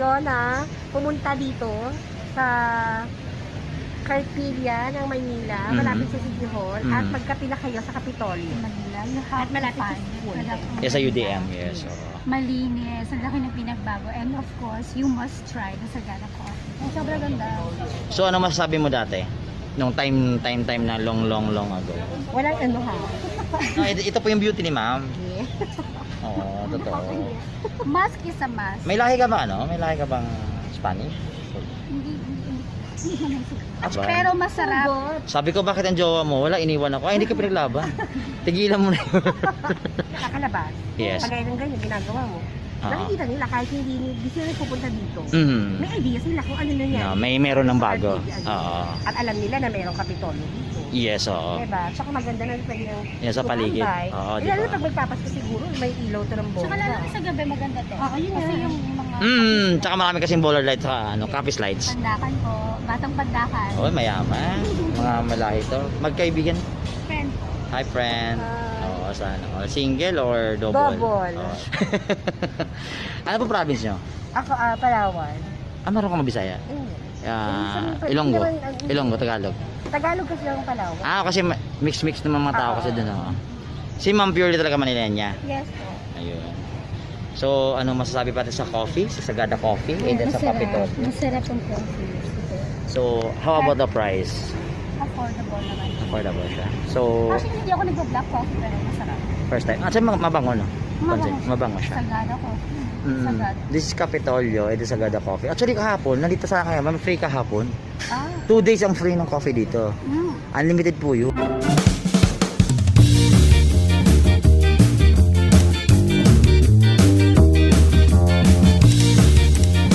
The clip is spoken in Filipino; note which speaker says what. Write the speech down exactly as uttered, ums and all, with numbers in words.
Speaker 1: kayo na pumunta dito sa Carpilla ng Maynila,
Speaker 2: Mhm.
Speaker 1: malapit sa City Hall,
Speaker 2: Mhm.
Speaker 1: at magkapila kayo sa Kapitolyo.
Speaker 3: Manila, you
Speaker 1: At
Speaker 3: have to
Speaker 1: malapit sa
Speaker 3: find it.
Speaker 1: school.
Speaker 3: Talagang
Speaker 2: Yes, sa U D M,
Speaker 3: maganda.
Speaker 2: yes. oo.
Speaker 3: Malinis, ang laki ng pinagbago. And of course, you must try the Sagana Coffee. Ang sobrang ganda.
Speaker 2: So ano masasabi mo dati? Nung time, time, time na long, long, long ago.
Speaker 1: Walang ano ha.
Speaker 2: No, ito, ito po yung beauty ni ma'am.
Speaker 1: Yeah.
Speaker 2: Oo, totoo.
Speaker 3: Mask is a mask.
Speaker 2: May lahi ka ba ano? May lahi ka bang Spanish?
Speaker 3: Hindi, hindi, hindi. Hindi naman siguro.
Speaker 2: Aba.
Speaker 3: Pero masarap.
Speaker 2: Sabi ko, bakit ang jowa mo? Wala, iniwan ako. Ay, hindi ka pinaglaban. Tigilan mo na yun.
Speaker 1: Nakakalabas.
Speaker 2: Yes.
Speaker 1: Pagaya ng ganyan, ginagawa mo.
Speaker 2: Oo.
Speaker 1: Nakikita nila kahit hindi, hindi sila pupunta dito.
Speaker 2: Mhm.
Speaker 1: May idea sila kung ano na yan.
Speaker 2: No, may meron ng bago. Oo.
Speaker 1: At alam nila na mayroong Kapitolyo dito.
Speaker 2: Yes, oo.
Speaker 1: Diba? Tsaka maganda na pwede ng
Speaker 2: Yan sa paligid.
Speaker 1: tumambay.
Speaker 2: Oo,
Speaker 1: Eh,
Speaker 2: di
Speaker 1: lalo
Speaker 2: ba?
Speaker 1: na pag magpapasko siguro, may ilaw to ng bomba.
Speaker 3: Tsaka lalo sa gabi maganda to.
Speaker 1: Oo, yun
Speaker 3: Kasi
Speaker 1: nga.
Speaker 3: yung mga
Speaker 2: Mm, tsaka marami kasing baller lights sa ano, Capiz lights.
Speaker 3: pandakan ko, batang pandakan.
Speaker 2: Oh, mayaman. Mga malahi to. Magkaibigan.
Speaker 3: Friend ko.
Speaker 2: Hi, friend.
Speaker 1: Hi.
Speaker 2: Oo, sana. all. Single or double?
Speaker 1: Double.
Speaker 2: Oo. Ano po province nyo?
Speaker 1: Ako, ah, Palawan.
Speaker 2: Ah, meron ka mabisaya?
Speaker 1: Ayun.
Speaker 2: Ah,
Speaker 1: Hindi
Speaker 2: Ilonggo.
Speaker 1: naman, ah,
Speaker 2: Ilonggo, Tagalog.
Speaker 1: Tagalog kasi lang Palawan.
Speaker 2: Ah, kasi ma- mix-mix naman mga tao
Speaker 1: Oo.
Speaker 2: kasi doon. Oh. Si Ma'am purely talaga Manilenya.
Speaker 1: Yes po.
Speaker 2: Ayun. So, ano masasabi pa sa coffee? Sa Sagada Coffee? And then sa Capitol.
Speaker 3: Masarap ang coffee.
Speaker 2: So, how about the price?
Speaker 3: Affordable naman.
Speaker 2: Affordable siya. So,
Speaker 3: Actually, hindi ako nag-black coffee pero masarap.
Speaker 2: first time. Ah, ma- mabango, no? Concept. Mabango siya.
Speaker 3: Sagana coffee.
Speaker 2: Mm.
Speaker 3: Sagada.
Speaker 2: This is Capitolio, ito Sagada Coffee. Actually, kahapon, nandito sa akin, ma'am, free kahapon.
Speaker 3: Ah.
Speaker 2: Two days ang free ng coffee dito.
Speaker 3: Mm.
Speaker 2: Unlimited po yun.